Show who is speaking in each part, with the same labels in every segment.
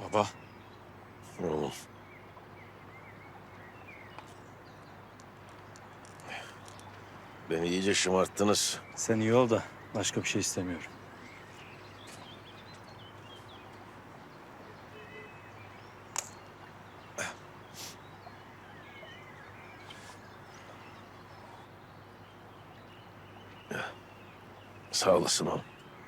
Speaker 1: Baba.
Speaker 2: Oğlum. Beni iyice şımarttınız.
Speaker 1: Sen iyi ol da başka bir şey istemiyorum.
Speaker 2: Sağ olasın oğlum.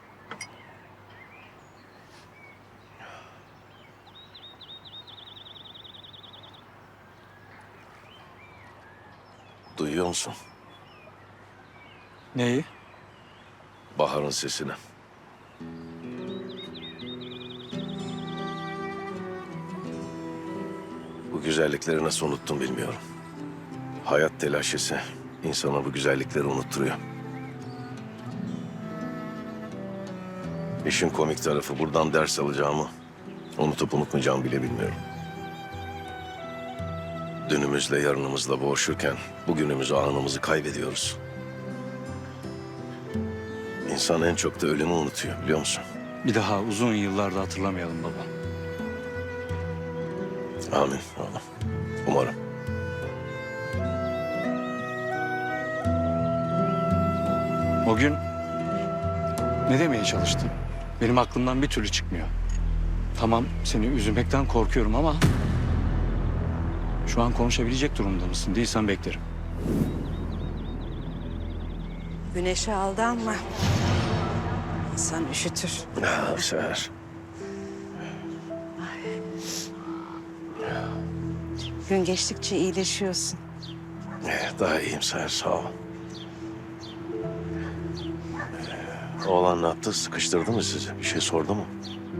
Speaker 2: Duyuyor musun?
Speaker 1: Neyi?
Speaker 2: Bahar'ın sesini. Bu güzellikleri nasıl unuttum bilmiyorum. Hayat telaşesi insana bu güzellikleri unutturuyor. İşin komik tarafı buradan ders alacağımı unutup unutmayacağımı bile bilmiyorum. Dünümüzle yarınımızla boğuşurken bugünümüzü, anımızı kaybediyoruz. İnsan en çok da ölümü unutuyor biliyor musun?
Speaker 1: Bir daha uzun yıllarda hatırlamayalım baba.
Speaker 2: Amin oğlum. Umarım.
Speaker 1: O gün ne demeye çalıştın? Benim aklımdan bir türlü çıkmıyor. Tamam, seni üzülmekten korkuyorum ama şu an konuşabilecek durumda mısın? Değilsen beklerim.
Speaker 3: Güneşe aldanma. İnsan üşütür.
Speaker 2: Seher.
Speaker 3: Gün geçtikçe iyileşiyorsun.
Speaker 2: Daha iyiyim Seher, sağ ol. Oğlan ne yaptı? Sıkıştırdı mı sizi? Bir şey sordu mu?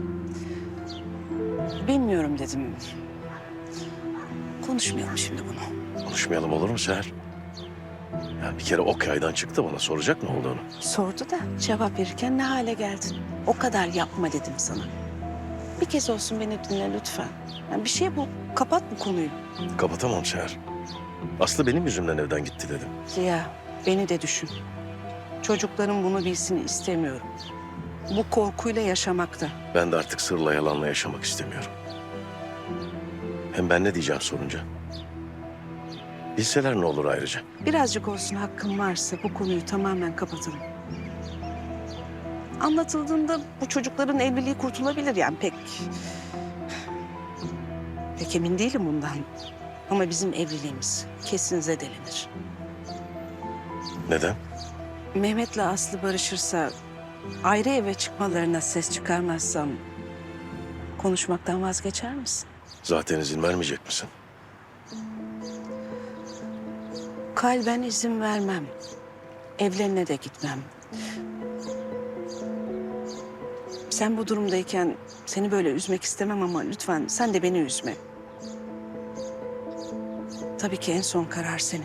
Speaker 3: Bilmiyorum dedim. Konuşmayalım şimdi bunu.
Speaker 2: Konuşmayalım olur mu Seher? Ya bir kere ok yaydan çıktı, bana soracak ne olduğunu.
Speaker 3: Sordu da cevap verirken ne hale geldin? O kadar yapma dedim sana. Bir kez olsun beni dinle lütfen. Yani bir şey bul, kapat bu konuyu.
Speaker 2: Kapatamam Seher. Aslı benim yüzümden evden gitti dedim.
Speaker 3: Ziya, beni de düşün. Çocukların bunu bilsin istemiyorum. Bu korkuyla yaşamakta.
Speaker 2: Ben de artık sırla yalanla yaşamak istemiyorum. Hem ben ne diyeceğim sorunca? Bilseler ne olur ayrıca?
Speaker 3: Birazcık olsun hakkım varsa bu konuyu tamamen kapatalım. Anlatıldığında bu çocukların evliliği kurtulabilir yani pek emin değilim bundan. Ama bizim evliliğimiz kesin zedelenir.
Speaker 2: Neden?
Speaker 3: Mehmet'le Aslı barışırsa, ayrı eve çıkmalarına ses çıkarmazsam konuşmaktan vazgeçer misin?
Speaker 2: Zaten izin vermeyecek misin?
Speaker 3: Kalben izin vermem. Evlerine de gitmem. Sen bu durumdayken seni böyle üzmek istemem ama lütfen sen de beni üzme. Tabii ki en son karar senin.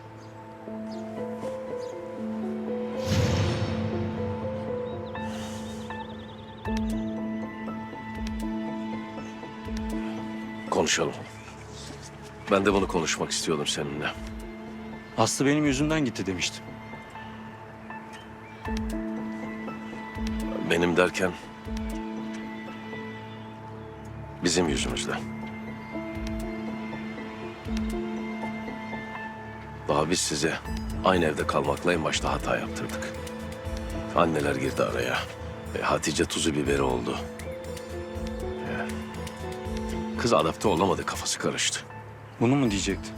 Speaker 2: Konuşalım. Ben de bunu konuşmak istiyordum seninle.
Speaker 1: Aslı benim yüzümden gitti demiştim.
Speaker 2: Benim derken bizim yüzümüzden. Daha biz size aynı evde kalmakla en başta hata yaptırdık. Anneler girdi araya. Hatice tuzu biberi oldu. Kız adapte olamadı, kafası karıştı.
Speaker 1: Bunu mu diyecektin?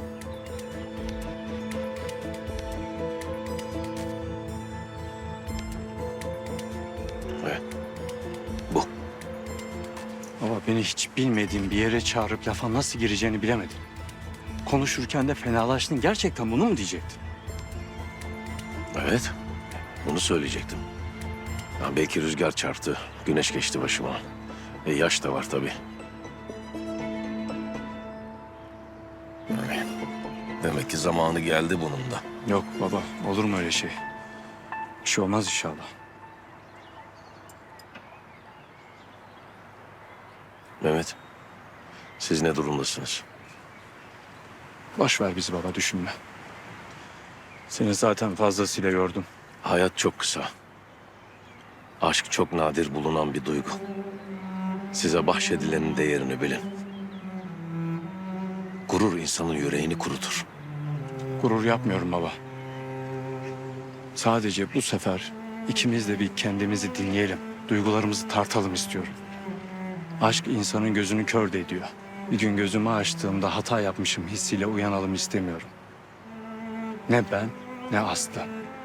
Speaker 2: Ve bu.
Speaker 1: Ama beni hiç bilmediğim bir yere çağırıp lafa nasıl gireceğini bilemedim. Konuşurken de fenalaştın. Gerçekten bunu mu diyecektin?
Speaker 2: Evet, bunu söyleyecektim. Ya belki rüzgar çarptı, güneş geçti başıma. Yaş da var tabii. Demek ki zamanı geldi bunun da.
Speaker 1: Yok baba, olur mu öyle şey? Bir şey olmaz inşallah.
Speaker 2: Mehmet, siz ne durumdasınız?
Speaker 1: Boş ver bizi baba, düşünme. Seni zaten fazlasıyla yordum.
Speaker 2: Hayat çok kısa. Aşk çok nadir bulunan bir duygu. Size bahşedilenin değerini bilin. Gurur insanın yüreğini kurutur.
Speaker 1: Gurur yapmıyorum baba. Sadece bu sefer ikimiz de bir kendimizi dinleyelim. Duygularımızı tartalım istiyorum. Aşk insanın gözünü kör de ediyor. Bir gün gözümü açtığımda hata yapmışım hissiyle uyanalım istemiyorum. Ne ben ne Aslı.